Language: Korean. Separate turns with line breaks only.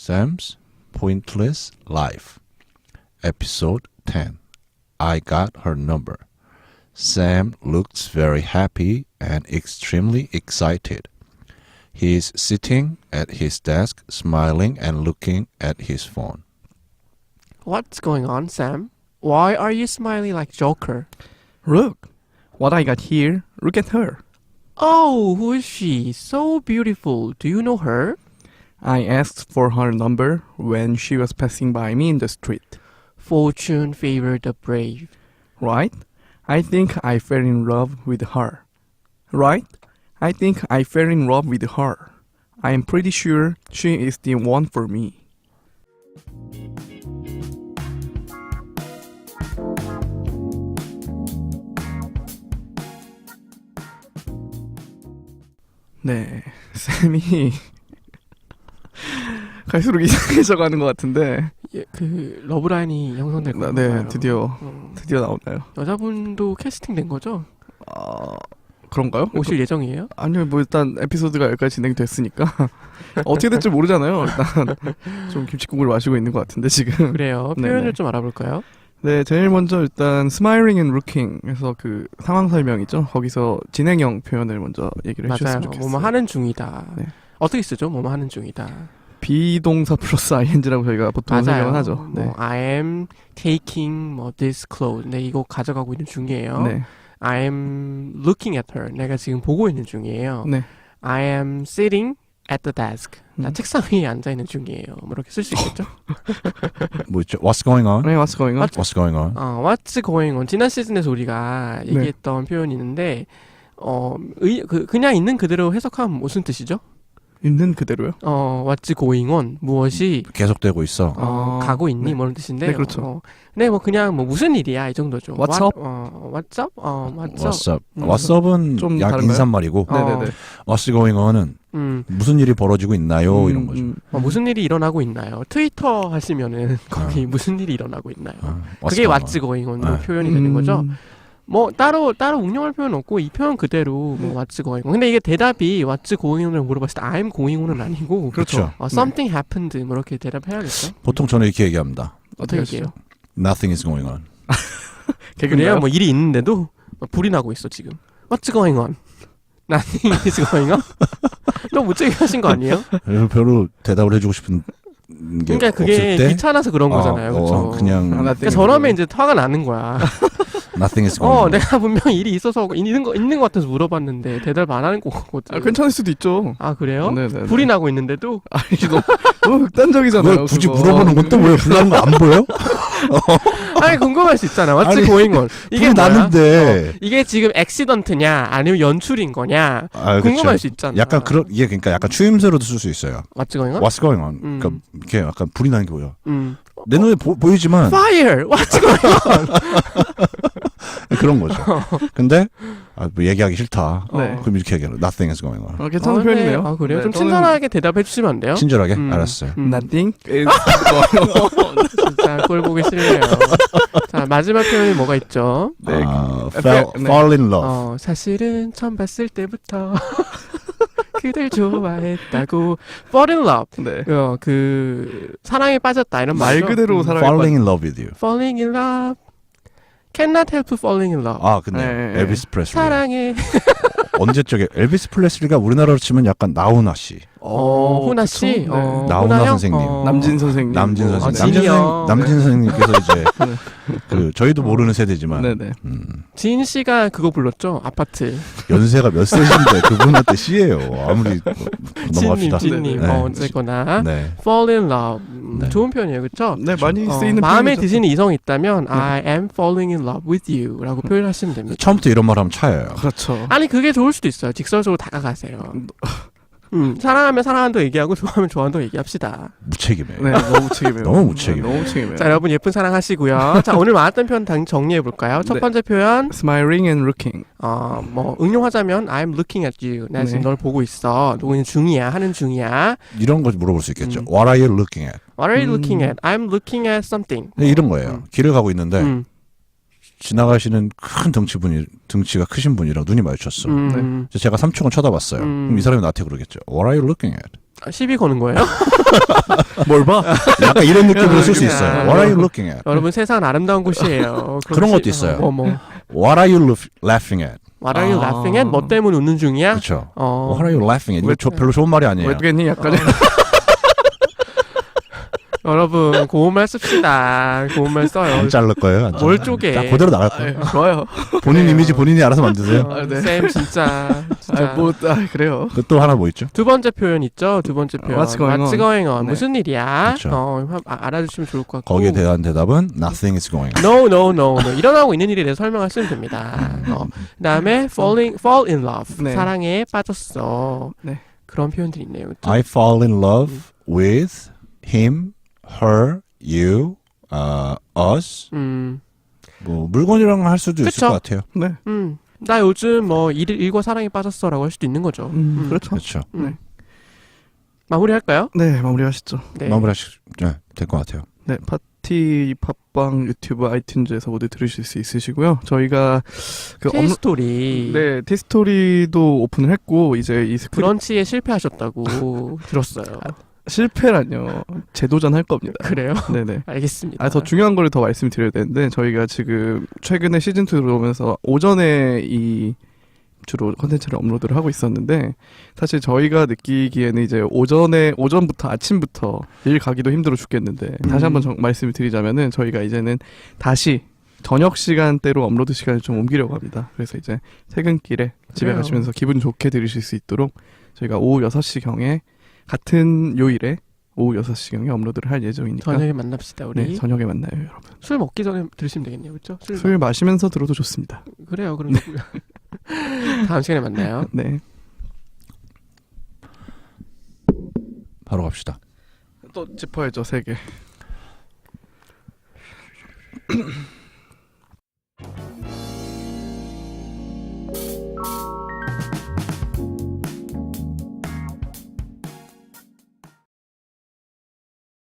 Sam's Pointless Life. Episode 10. I got her number. Sam looks very happy and extremely excited. He is sitting at his desk, smiling and looking at his phone.
What's going on, Sam? Why are you smiling like Joker?
Look, what I got here. Look at her.
Oh, who is she? So beautiful. Do you know her?
I asked for her number when she was passing by me in the street.
Fortune favored the brave.
Right? I think I fell in love with her. Right? I think I fell in love with her. I am pretty sure she is the one for me. 네, 쌤이 갈수록 이상해져 가는 것 같은데.
예, 그 러브라인이 형성될 건가요?
네, 드디어 나오나요?
여자분도 캐스팅된 거죠?
그런가요?
오실 예정이에요?
아니요, 뭐 일단 에피소드가 여기까지 진행됐으니까 어떻게 될지 모르잖아요. 일단 좀 김치국을 마시고 있는 것 같은데 지금.
그래요.
네네.
표현을 좀 알아볼까요?
네, 제일 먼저 일단 smiling and looking에서 그 상황 설명이죠. 거기서 진행형 표현을 먼저 얘기를
맞아요.
해주셨으면 좋겠어요.
뭐뭐 하는 중이다.
네.
어떻게 쓰죠? 뭐뭐 하는 중이다.
비동사 플러스 ing라고 저희가 보통 설명을 하죠.
뭐
네.
I am taking 뭐 this clothes. 네, 이거 가져가고 있는 중이에요.
네.
I am looking at her. 내가 지금 보고 있는 중이에요.
네.
I am sitting at the desk. 나
음.
책상 위에 앉아 있는 중이에요. 뭐 이렇게 쓸 수 있겠죠?
뭐 있죠? What's going on?
네, what's going on?
What's going on?
What's going on? 지난 시즌에서 우리가
네.
얘기했던 표현이 있는데 그냥 있는 그대로 해석하면 무슨 뜻이죠?
있는 그대로요?
What's going on? 무엇이
계속되고 있어.
가고 있니?
네.
뭐 이런 뜻인데.
네, 그렇죠.
네, 뭐 그냥 뭐 무슨 일이야 이 정도죠.
What's
up?
up?
What's up? What's up?
What's up?
음.
What's up은
좀
약
다른가요?
인사말이고
네네네.
What's going on은 무슨 일이 벌어지고 있나요? 이런 거죠.
무슨 일이 일어나고 있나요? 트위터 하시면은 거기 무슨 일이 일어나고 있나요?
What's
그게
going
what's going on으로
네.
표현이 되는 거죠. 뭐 따로 응용할 필요는 없고 이 표현 그대로 뭐 what's going on. 근데 이게 대답이 what's going on을 물어봤을 때 I'm going on은 아니고
그렇죠.
something happened 뭐 이렇게 대답해야겠죠.
보통 저는 이렇게 얘기합니다.
어떻게 얘기해요?
Nothing is going on.
그래요? 뭐 일이 있는데도 불이 나고 있어 지금. What's going on? Nothing is going on? 너무 무책임 하신 거 아니에요?
별로 대답을 해주고 싶은 게
그러니까 그게
없을 때
귀찮아서 그런 거잖아요. 그렇죠?
그냥
그러니까 저러면 이제 화가 나는 거야.
Nothing is going on.
내가 분명히 일이 있어서 있는 거 같아서 물어봤는데 대답 안 하는 거거든.
괜찮을 수도 있죠.
아 그래요?
네네.
불이 나고 있는데도
아니, 너무 극단적이잖아요.
왜 굳이
그거.
물어보는 건 또 왜 불나는 거 안 보여?
아니 궁금할 수 있잖아. What's
아니,
going on? 이게
불이
뭐야?
나는데
이게 지금 액시던트냐 아니면 연출인 거냐 궁금할 수 있잖아.
약간 그런 이게 그러니까 약간 추임새로도 쓸 수 있어요.
What's going on?
What's going on? 그러니까 이렇게 약간 불이 나는 게 보여. 내 눈에 보이지만
Fire! What's going on?
그런 거죠. 근데 뭐 얘기하기 싫다.
네.
그럼 이렇게 얘기하는 Nothing is going on.
괜찮은 표현이네요.
아 그래요?
네,
좀
저는
친절하게 대답해 주시면 안 돼요?
친절하게 알았어요.
Nothing is
진짜 꼴 보기 싫네요. 자 마지막 표현이 뭐가 있죠?
네.
fall in love.
사실은 처음 봤을 때부터 그댈 좋아했다고 fall in love.
네.
그 사랑에 빠졌다 이런
말
말이죠.
그대로 사랑에
falling in love with you.
falling in love cannot help falling in love.
근데
네.
엘비스 프레슬리.
사랑해.
언제 쪽에 엘비스 프레슬리가 우리나라로 치면 약간 나훈아 씨.
훈아 씨,
그쵸? 네.
나훈아
훈아 형?
선생님.
남진 선생님.
남진
뭐,
선생님.
진이 형.
남진 선생님께서 이제 그 저희도 모르는 세대지만
네네.
지인 씨가 그거 불렀죠. 아파트.
연세가 몇 세신데 그분한테 씨예요. 아무리 넘어갑시다.
진님.
네.
어쨌거나
네.
fall in love.
네.
좋은 표현이에요, 그렇죠?
네, 많이 쓰이는
마음에
표현이죠.
드시는 이성이 있다면 I am falling in love with you라고 표현하시면 됩니다.
처음부터 이런 말 하면 차예요.
그렇죠.
아니 그게 좋을 수도 있어요. 직설적으로 다가가세요. 사랑하면 사랑한다고 얘기하고 좋아하면 좋아한다고 얘기합시다.
무책임해요.
네, 너무 무책임해요.
너무 무책임해요.
너무 무책임해요.
자 여러분 예쁜 사랑 하시고요. 자 오늘 많았던 표현 정리해 볼까요? 첫
네.
번째 표현
Smiling and looking.
뭐 응용하자면 I'm looking at you. 나 지금
네.
널 보고 있어. 누구는 중이야. 하는 중이야.
이런 거 물어볼 수 있겠죠. What are you looking at?
What are you looking at? I'm looking at something.
이런 거예요. 길을 가고 있는데 지나가시는 큰 등치가 크신 분이랑 눈이 마주쳤어.
음.
제가 3초간 쳐다봤어요. 그럼 이 사람이 나한테 그러겠죠. What are you looking at?
시비 거는 거예요?
뭘 봐?
약간 이런 느낌으로 쓸 수
그냥.
있어요. What are you looking at?
여러분 세상은 아름다운 곳이에요.
그런 것도 있어요.
뭐.
What are you laughing at?
What are you laughing at? 뭐 때문에 웃는 중이야?
그렇죠.
어.
What are you laughing at? 이거
왜-
별로 좋은 말이 아니에요.
왜 그랬니? 약간
여러분 고운말 씁시다. 고운말 써요.
안 자를 거예요. 안
뭘
자를.
쪼개?
자, 그대로 나갈 거예요.
좋아요.
본인 이미지 본인이 알아서 만드세요.
네.
쌤 진짜.
그래요.
그 또 하나 뭐 있죠?
두 번째 표현 있죠. 두 번째 표현.
What's going on? 네.
무슨 일이야?
그쵸.
알아주시면 좋을 것 같고.
거기에 대한 대답은 Nothing is going on.
No. 일어나고 있는 일에 대해서 설명하시면 됩니다. 그다음에 fall in love.
네.
사랑에 빠졌어.
네.
그런 표현들이 있네요. 그쵸?
I fall in love with him, her, you, us. 뭐 물건이랑 할 수도 있을
그쵸.
것 같아요.
네.
나 요즘 뭐 일과 사랑에 빠졌어라고 할 수도 있는 거죠.
그렇죠.
그렇죠.
마무리할까요?
네, 마무리하시죠.
네.
마무리하시 될 것 같아요.
네, 파티 팟빵 유튜브 아이튠즈에서 모두 들으실 수 있으시고요. 저희가 그
T스토리.
네, 티스토리도 오픈을 했고 이제 이
브런치에 실패하셨다고 들었어요.
실패라뇨. 재도전 할 겁니다.
그래요?
네네.
알겠습니다.
더 중요한 걸 더 말씀드려야 되는데 저희가 지금 최근에 시즌 2 들어오면서 오전에 이 주로 컨텐츠를 업로드를 하고 있었는데 사실 저희가 느끼기에는 이제 오전부터 아침부터 일 가기도 힘들어 죽겠는데 다시 한번 말씀을 드리자면은 저희가 이제는 다시 저녁 시간대로 업로드 시간을 좀 옮기려고 합니다. 그래서 이제 퇴근길에 집에
그래요.
가시면서 기분 좋게 들으실 수 있도록 저희가 오후 6시경에 같은 요일에 오후 6시경에 업로드를 할 예정이니까
저녁에 만납시다 우리.
네, 저녁에 만나요 여러분.
술 먹기 전에 들으시면 되겠네요, 그렇죠?
술 마시면서 들어도 좋습니다.
그래요, 그럼 다음 시간에 만나요.
네.
바로 갑시다.
또 짚어야죠 3개.